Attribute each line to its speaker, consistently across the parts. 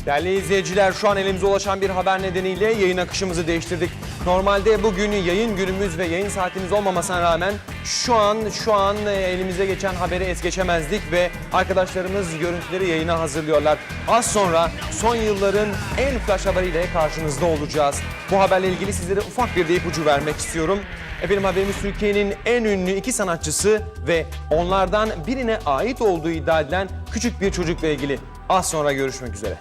Speaker 1: Değerli izleyiciler, şu an elimize ulaşan bir haber nedeniyle yayın akışımızı değiştirdik. Normalde bugün yayın günümüz ve yayın saatimiz olmamasına rağmen şu an elimize geçen haberi es geçemezdik ve arkadaşlarımız görüntüleri yayına hazırlıyorlar. Az sonra son yılların en flash haberiyle karşınızda olacağız. Bu haberle ilgili sizlere ufak bir de ipucu vermek istiyorum. Efendim, haberimiz Türkiye'nin en ünlü iki sanatçısı ve onlardan birine ait olduğu iddia edilen küçük bir çocukla ilgili. Az sonra görüşmek üzere.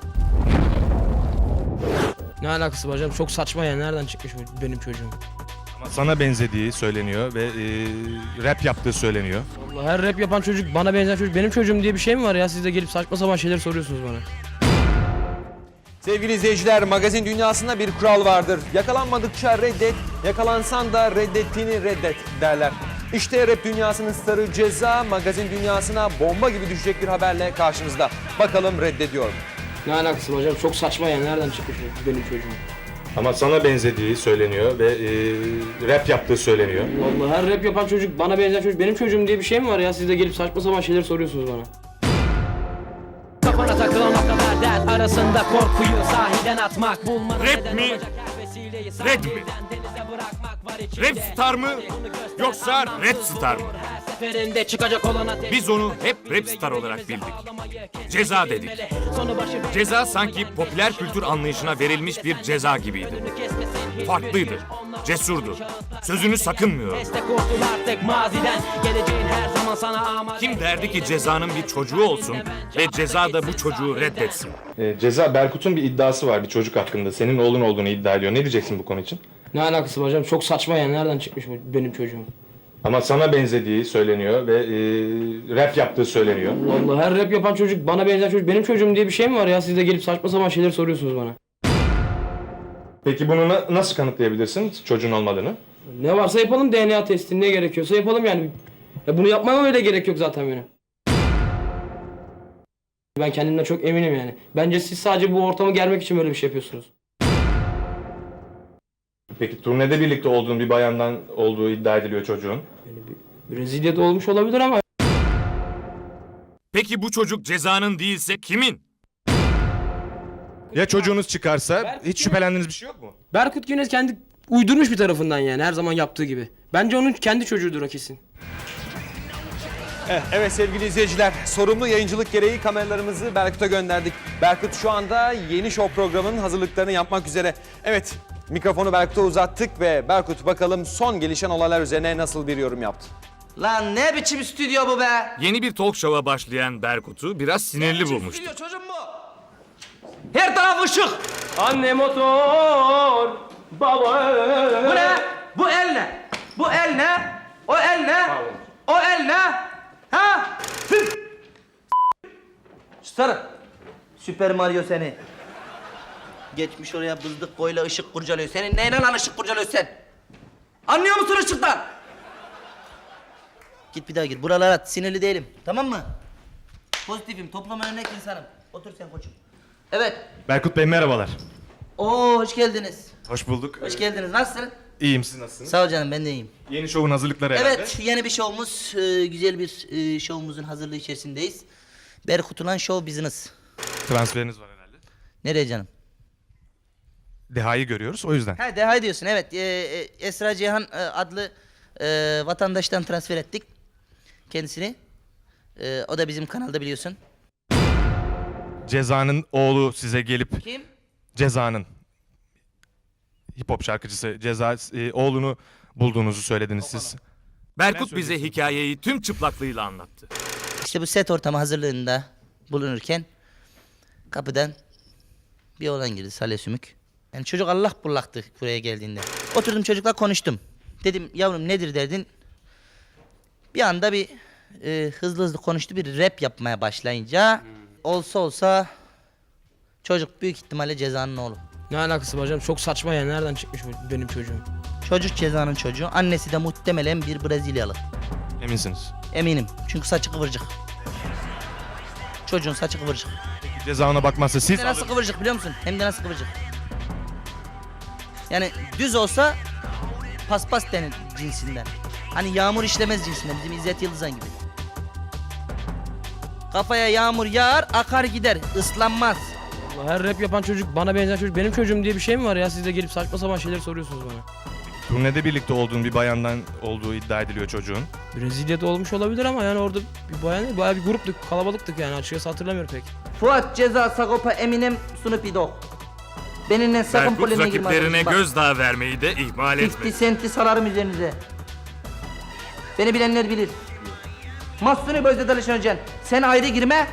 Speaker 2: Ne alakası var canım? Çok saçma ya. Nereden çıkmış bu benim çocuğum?
Speaker 3: Ama sana benzediği söyleniyor ve rap yaptığı söyleniyor.
Speaker 2: Allah, her rap yapan çocuk, bana benzer çocuk benim çocuğum diye bir şey mi var ya? Siz de gelip saçma sapan şeyler soruyorsunuz bana.
Speaker 1: Sevgili izleyiciler, magazin dünyasında bir kural vardır. Yakalanmadıkça reddet, yakalansan da reddettiğini reddet derler. İşte rap dünyasının starı Ceza, magazin dünyasına bomba gibi düşecek bir haberle karşınızda. Bakalım reddediyor mu?
Speaker 2: Ne alakası var canım? Çok saçma ya. Nereden çıkmış bu benim çocuğum?
Speaker 3: Ama sana benzediği söyleniyor ve rap yaptığı söyleniyor.
Speaker 2: Allah, her rap yapan çocuk, bana benzer çocuk benim çocuğum diye bir şey mi var ya? Siz de gelip saçma sapan şeyler soruyorsunuz bana.
Speaker 4: Kafana takılan o kadar dert arasında korkuyu sahiden atmak bulmanın
Speaker 5: Rap mi? Red mi? Rap star mı? Yoksa Red star mı?
Speaker 4: seferinde çıkacak olan ateş.
Speaker 5: Biz onu hep rap star olarak bildik. Ceza dedik. Ceza sanki popüler kültür anlayışına verilmiş bir ceza gibiydi. Farklıydı, cesurdu, sözünü sakınmıyordu. Kim derdi ki Ceza'nın bir çocuğu olsun ve Ceza da bu çocuğu reddetsin?
Speaker 3: Ceza, Berkut'un bir iddiası var bir çocuk hakkında. Senin oğlun olduğunu iddia ediyor. Ne diyeceksin bu konu için?
Speaker 2: Ne alakası var canım? Çok saçma ya. Nereden çıkmış bu benim çocuğum?
Speaker 3: Ama sana benzediği söyleniyor ve rap yaptığı söyleniyor.
Speaker 2: Allah, her rap yapan çocuk, bana benzer çocuk benim çocuğum diye bir şey mi var ya? Siz de gelip saçma sapan şeyler soruyorsunuz bana.
Speaker 3: Peki bunu nasıl kanıtlayabilirsin çocuğun olmadığını?
Speaker 2: Ne varsa yapalım, DNA testi, ne gerekiyorsa yapalım yani. Ya bunu yapmama öyle gerek yok zaten benim. Ben kendimden çok eminim yani. Bence siz sadece bu ortamı germek için böyle bir şey yapıyorsunuz.
Speaker 3: Peki turnede birlikte olduğun bir bayandan olduğu iddia ediliyor çocuğun.
Speaker 2: Brezilya'da olmuş olabilir ama
Speaker 5: Peki bu çocuk Ceza'nın değilse kimin?
Speaker 3: Ya çocuğunuz çıkarsa hiç şüphelendiğiniz bir şey yok mu?
Speaker 2: Berkut Güneş kendi uydurmuş bir tarafından yani, her zaman yaptığı gibi. Bence onun kendi çocuğudur o kesin.
Speaker 1: Evet sevgili izleyiciler, sorumlu yayıncılık gereği kameralarımızı Berkut'a gönderdik. Berkut şu anda yeni show programının hazırlıklarını yapmak üzere. Evet, mikrofonu Berkut'a uzattık ve Berkut bakalım son gelişen olaylar üzerine nasıl bir yorum yaptı?
Speaker 6: Lan ne biçim stüdyo bu be?
Speaker 5: Yeni bir talk show'a başlayan Berkut'u biraz sinirli bulmuştu.
Speaker 6: Stüdyo çocuğum bu. Her taraf ışık.
Speaker 2: Anne motor, baba...
Speaker 6: Bu ne? Bu el ne? Bu el ne? O el ne? O el ne? Ha? Sarı. Süper Mario seni. Geçmiş oraya bızdık boyla ışık kurcalıyor. Senin neyle lan ışık kurcalıyor sen? Anlıyor musun ışıktan? Git bir daha gir. Buralara at. Sinirli değilim. Tamam mı? Pozitifim. Topluma örnek insanım. Otur sen koçum. Evet.
Speaker 3: Berkut Bey merhabalar.
Speaker 6: Oo hoş geldiniz.
Speaker 3: Hoş bulduk.
Speaker 6: Hoş geldiniz. Nasılsın?
Speaker 3: İyiyim, siz nasılsınız?
Speaker 6: Sağ ol canım, ben de iyiyim.
Speaker 3: Yeni şovun hazırlıkları herhalde.
Speaker 6: Evet, yeni bir şovumuz, güzel bir şovumuzun hazırlığı içerisindeyiz. Berkutulan Show Business.
Speaker 3: Transferiniz var herhalde.
Speaker 6: Nereye canım?
Speaker 3: Deha'yı görüyoruz o yüzden.
Speaker 6: Ha, Deha diyorsun, evet. Esra Cihan adlı vatandaştan transfer ettik kendisini. O da bizim kanalda, biliyorsun.
Speaker 3: Ceza'nın oğlu size gelip...
Speaker 6: Kim?
Speaker 3: Ceza'nın hip hop şarkıcısı Ceza oğlunu bulduğunuzu söylediniz siz.
Speaker 5: Berkut bize hikayeyi tüm çıplaklığıyla anlattı.
Speaker 6: İşte bu set ortamı hazırlığında bulunurken kapıdan bir oğlan girdi, Salih Sümük. Yani çocuk allak bullaktı buraya geldiğinde. Oturdum çocukla konuştum. Dedim yavrum nedir derdin? Bir anda bir hızlı hızlı konuştu, bir rap yapmaya başlayınca olsa çocuk büyük ihtimalle Ceza'nın oğlu.
Speaker 2: Ne alakası var canım? Çok saçma ya. Nereden çıkmış bu benim çocuğum?
Speaker 6: Çocuk Ceza'nın çocuğu. Annesi de muhtemelen bir Brezilyalı.
Speaker 3: Eminsiniz.
Speaker 6: Eminim. Çünkü saçı kıvırcık. Çocuğun saçı kıvırcık.
Speaker 3: Peki Ceza ona bakmazsa siz...
Speaker 6: Hem de nasıl kıvırcık biliyor musun? Hem de nasıl kıvırcık. Yani düz olsa paspas denir cinsinden. Hani yağmur işlemez cinsinden. Bizim İzzet Yıldızan gibi. Kafaya yağmur yağar, akar gider. Islanmaz.
Speaker 2: Allah, her rap yapan çocuk, bana benzer çocuk benim çocuğum diye bir şey mi var ya? Siz de gelip saçma sapan şeyler soruyorsunuz bana.
Speaker 3: Turnede birlikte olduğun bir bayandan olduğu iddia ediliyor çocuğun.
Speaker 2: Brezilya'da olmuş olabilir ama yani orada bir bayan değil, bayağı bir gruptuk, kalabalıktık yani, açıkçası hatırlamıyorum pek.
Speaker 6: Fuat, Ceza, Sagopa, Eminem, Snoop Dogg. Benimle sakın
Speaker 5: Berkut
Speaker 6: polemiğe girme
Speaker 5: rakiplerine
Speaker 6: arkadaşım. Bak,
Speaker 5: gözdağı vermeyi de ihmal
Speaker 6: 50
Speaker 5: etmedi.
Speaker 6: Cent'i salarım üzerinize. Beni bilenler bilir. Mahsuni Bözde Dalışan Hocan, sen ayrı girme.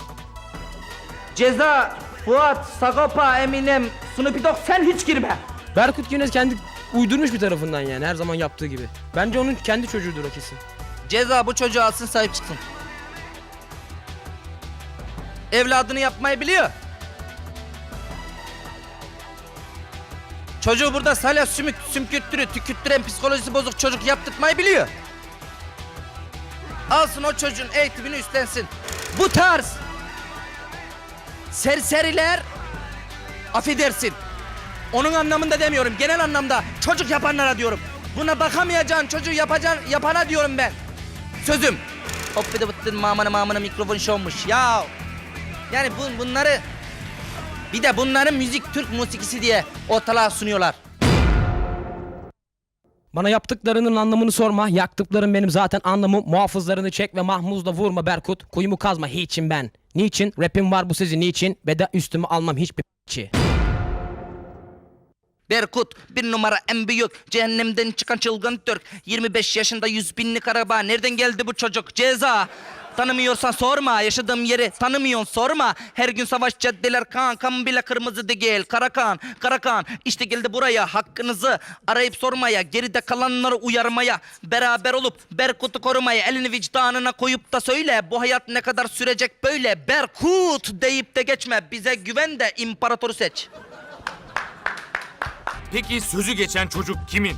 Speaker 6: Ceza, Fuat, Sagopa, Eminem, Snoop Dogg, sen hiç girme.
Speaker 2: Berkut Güneş kendi uydurmuş bir tarafından yani, her zaman yaptığı gibi. Bence onun kendi çocuğudur o kesin.
Speaker 6: Ceza bu çocuğu alsın, sahip çıksın. Evladını yapmayı biliyor. Çocuğu burada salya sümkürttürü, tükürttüren psikolojisi bozuk çocuk yaptırtmayı biliyor. Alsın o çocuğun eğitimini üstlensin. Bu tarz serseriler, affedersin, onun anlamında demiyorum, genel anlamda çocuk yapanlara diyorum. Buna bakamayacağın çocuğu yapana diyorum ben. Sözüm. Hop bir de bıttın mamana mikrofon şovmuş ya. Yani bunları, bir de bunların müzik Türk musikisi diye ortalığa sunuyorlar.
Speaker 4: Bana yaptıklarının anlamını sorma. Yaktıklarım benim zaten anlamım. Muhafızlarını çek ve mahmuzla vurma Berkut. Kuyumu kazma hiçim ben. Niçin? Rapim var bu sizin niçin? Ve de üstüme almam hiçbir p***çi.
Speaker 6: Berkut bir numara en büyük, cehennemden çıkan çılgın Türk. 25 yaşında 100 binlik araba, nereden geldi bu çocuk? Ceza. Tanımıyorsan sorma, yaşadığım yeri tanımıyorsun sorma. Her gün savaş caddeler kan bile kırmızı değil. Karakan işte geldi buraya, hakkınızı arayıp sormaya, geride kalanları uyarmaya, beraber olup Berkut'u korumaya, elini vicdanına koyup da söyle, bu hayat ne kadar sürecek böyle? Berkut deyip de geçme, bize güven de imparatoru seç.
Speaker 5: Peki sözü geçen çocuk kimin?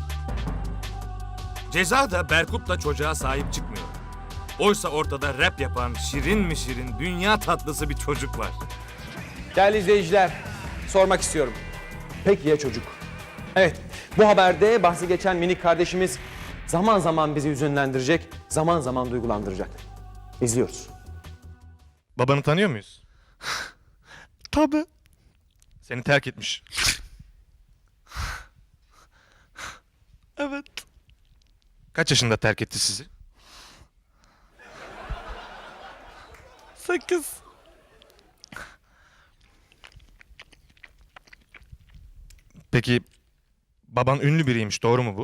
Speaker 5: Ceza da Berkut'la çocuğa sahip çıkmıyor. Oysa ortada rap yapan şirin mi şirin, dünya tatlısı bir çocuk var.
Speaker 1: Değerli izleyiciler, sormak istiyorum. Peki ya çocuk? Evet, bu haberde bahsi geçen minik kardeşimiz zaman zaman bizi hüzünlendirecek, zaman zaman duygulandıracak. İzliyoruz.
Speaker 3: Babanı tanıyor muyuz?
Speaker 7: Tabii.
Speaker 3: Seni terk etmiş.
Speaker 7: Evet.
Speaker 3: Kaç yaşında terk etti sizi?
Speaker 7: 8.
Speaker 3: Peki baban ünlü biriymiş, doğru mu bu?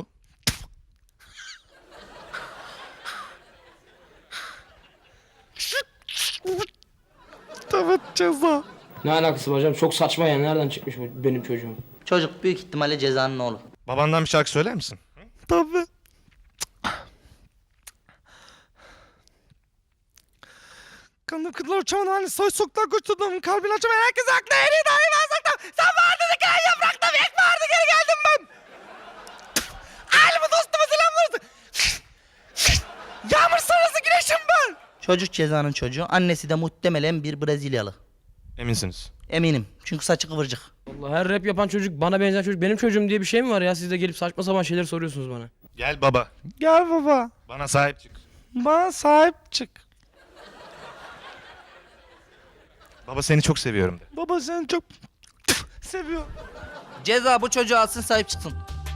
Speaker 7: Evet, Ceza.
Speaker 2: Ne alakası var hocam? Çok saçma yani, nereden çıkmış bu benim çocuğum?
Speaker 6: Çocuk büyük ihtimalle Ceza'nın oğlu.
Speaker 3: Babandan bir şarkı söyler misin?
Speaker 7: Tabii. Kanım kıtlar uçamam hani soy soktan koşturdum kalbini açamayan herkes haklı en iyi dahi ben saklam. Sen vardın hikaye yaprakta bir ek vardı geri geldim ben. Ailemi dostuma selam versin. Yağmur sonrası güneşim ben.
Speaker 6: Çocuk Ceza'nın çocuğu, annesi de muhtemelen bir Brezilyalı.
Speaker 3: Eminsiniz.
Speaker 6: Eminim çünkü saçı kıvırcık.
Speaker 2: Allah, her rap yapan çocuk, bana benzer çocuk benim çocuğum diye bir şey mi var ya? Siz de gelip saçma sapan şeyler soruyorsunuz bana.
Speaker 3: Gel baba,
Speaker 7: Gel baba.
Speaker 3: bana sahip çık.
Speaker 7: Bana sahip çık.
Speaker 3: Baba seni çok seviyorum de.
Speaker 7: Baba seni çok seviyor.
Speaker 6: Ceza bu çocuğu alsın, sahip çıksın.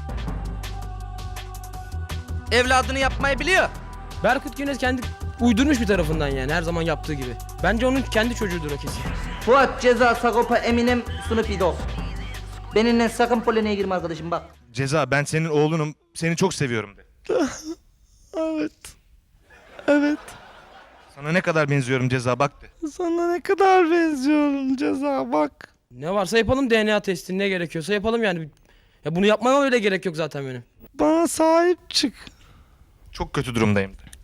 Speaker 6: Evladını yapmayı biliyor.
Speaker 2: Berkut Güneş kendi uydurmuş bir tarafından yani, her zaman yaptığı gibi. Bence onun kendi çocuğudur o kesin.
Speaker 6: Fuat, Ceza, Sagopa, Eminem, Snoop Dogg. Benimle sakın polemiğe girme arkadaşım bak.
Speaker 3: Ceza, ben senin oğlunum, seni çok seviyorum de.
Speaker 7: Evet. Evet.
Speaker 3: Sana ne kadar benziyorum Ceza, bak de.
Speaker 7: Sana ne kadar benziyorum Ceza bak.
Speaker 2: Ne varsa yapalım, DNA testi, ne gerekiyorsa yapalım yani. Ya bunu yapmama öyle gerek yok zaten benim.
Speaker 7: Bana sahip çık.
Speaker 3: Çok kötü durumdayım de.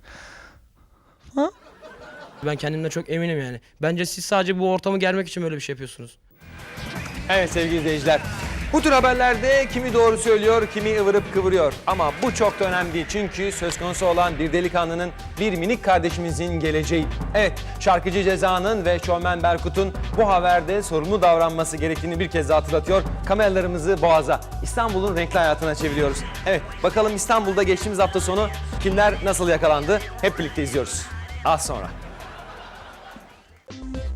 Speaker 2: Ben kendimden çok eminim yani. Bence siz sadece bu ortamı germek için böyle bir şey yapıyorsunuz.
Speaker 1: Evet sevgili izleyiciler, bu tür haberlerde kimi doğru söylüyor, kimi ıvırıp kıvırıyor. Ama bu çok da önemli değil çünkü söz konusu olan bir delikanlının, bir minik kardeşimizin geleceği. Evet, şarkıcı Ceza'nın ve şovmen Berkut'un bu haberde sorumlu davranması gerektiğini bir kez daha hatırlatıyor. Kameralarımızı Boğaz'a, İstanbul'un renkli hayatına çeviriyoruz. Evet, bakalım İstanbul'da geçtiğimiz hafta sonu kimler nasıl yakalandı? Hep birlikte izliyoruz. Az sonra.